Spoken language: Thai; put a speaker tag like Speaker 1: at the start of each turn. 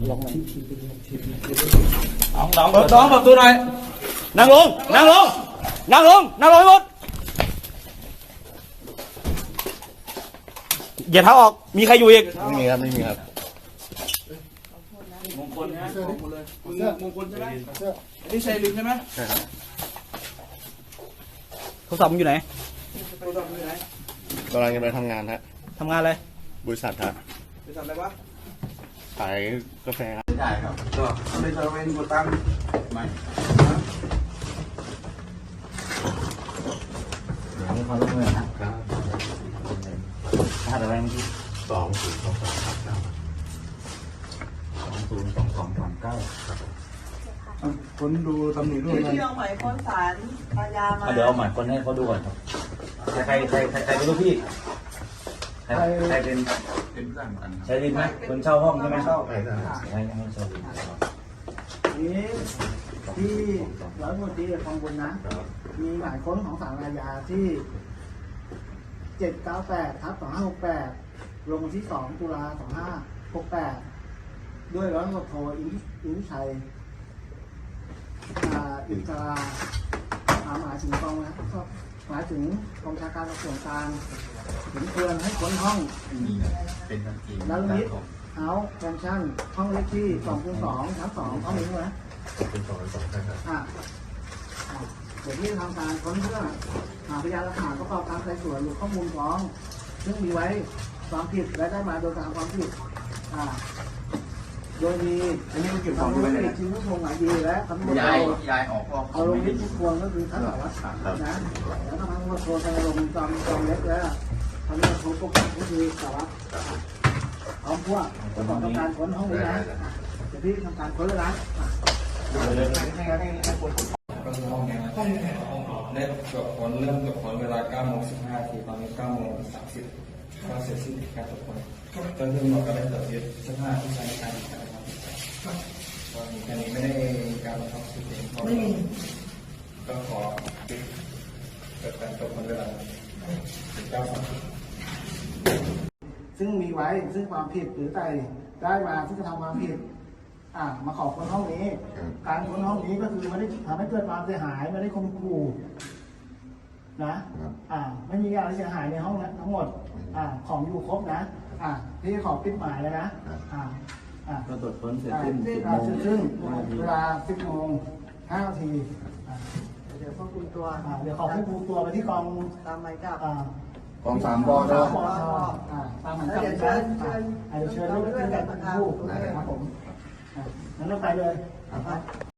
Speaker 1: ล็อกไหม
Speaker 2: น้องเปิดประตูหน่อยนั่งลงให้หมดอย่าเท้าออกมีใครอยู่อีก
Speaker 1: ไม่มีครับ
Speaker 2: มงคลนะมงคลเลยมงคลใช่ไหมนี่ชัยลินใช่ไหม
Speaker 1: ใช่ครับ
Speaker 2: โทรศัพท์มึงอยู่ไหน
Speaker 1: กำลังจะไปทำงานฮะ
Speaker 2: ทำงานอะไร
Speaker 1: บริษัทฮะ
Speaker 2: บริษัทอะไรวะ
Speaker 1: ขายกาแฟครับ
Speaker 2: ได้ครับก็ไม่ได้เวนกดตังค์ไม่
Speaker 3: เดี๋ยวนี้เขาต้องเงินนะครับถ้าอะไรเมื่อกี้202239
Speaker 2: คนดูตำหนิด้วย
Speaker 4: ที่เอาหมายค้นศาลอาญามา
Speaker 3: เดี๋ยวเอาหมายคนให้เขาดูก่อนครับใครเป็นลูกพี่ใครเป็นใช้ดินไหมคนเช่าห้องใช่ไหมเช่าใช่ใช่เช่าดิน
Speaker 5: นี้ที่ร้อยตำรวจตรีคลองบุญนะมีหมายค้นของศาลอาญาที่798/2568ลงวันที่2 ตุลา 2568ด้วยร้อยตำรวจโทอินทิชัยอินทราหมายถึงกองนะหมายถึงกองบัญชาการตำรวจกลางถึงเตือนให้ค้นห้องแล้วนิดเอาแฟชั่นห้องเลขที่2/2/2ห้องนี้นะเดี๋ยวที่ทำการค้นเพื่อหาพยานหลักฐานประกอบการไต่สวนหรือข้อมูลฟ้องซึ่งมีไว้ความผิดและได้มาโดยการความผิดโดยมี
Speaker 2: อันนี้มันเก็บของอยู่ไหน
Speaker 5: ทีมผู้ทรงหมายดีและตำรวจ
Speaker 2: ย้ายออก
Speaker 5: เอาลงที่ทุกคนก็คือท่านสารวัตรนะแล้วก็ทางตำรวจโทรไปลงจอมเล็กแล้วทางตำรวจโทรปกติก็คือสารวัตรพร้อมพวกประกอบการค้นห้องนี้นะเดี๋ยวพี่ทำการค้นเลยนะ
Speaker 2: เริ่มกับผลเวลา 9:15 ตอนนี้ 9:30 ก็เสร็จสิ้นการตรวจค้นจนถึงหมดก็ได้ตรวจยึดเสื้อผ้าที่ใช้ในการกระทำผิดตอนนี้ไม่ได้มีการบังคับสืบเองก็ขอปิดเกิดการตรวจค้นเวลา 19:30
Speaker 5: ซึ่งมีไว้ซึ่งความผิดหรือใดได้มาซึ่งกระทำความผิดมาขอค้นห้องนี้การค้นห้องนี้ก็คือไม่ได้ทำให้เกิดความเสียหายไม่ได้ข่มขู่นะไม่มีอะไรเสียหายในห้องนั้นทั้งหมดของอยู่ครบนะที่ขอปิดหมายเลยนะ
Speaker 3: ก็ตรวจค้นเสร็จสิ้น
Speaker 5: เวลา 10:05 นาที
Speaker 4: เดี๋ยวควบคุมตัว
Speaker 5: เดี๋ยวขอควบคุมตัวไปที่กอง
Speaker 4: ตามหมายจับ
Speaker 2: กอง3 ป.
Speaker 5: ตามหมายจับเชิญลูกขึ้นกันผู้ครับผมงั้นเราไปเลย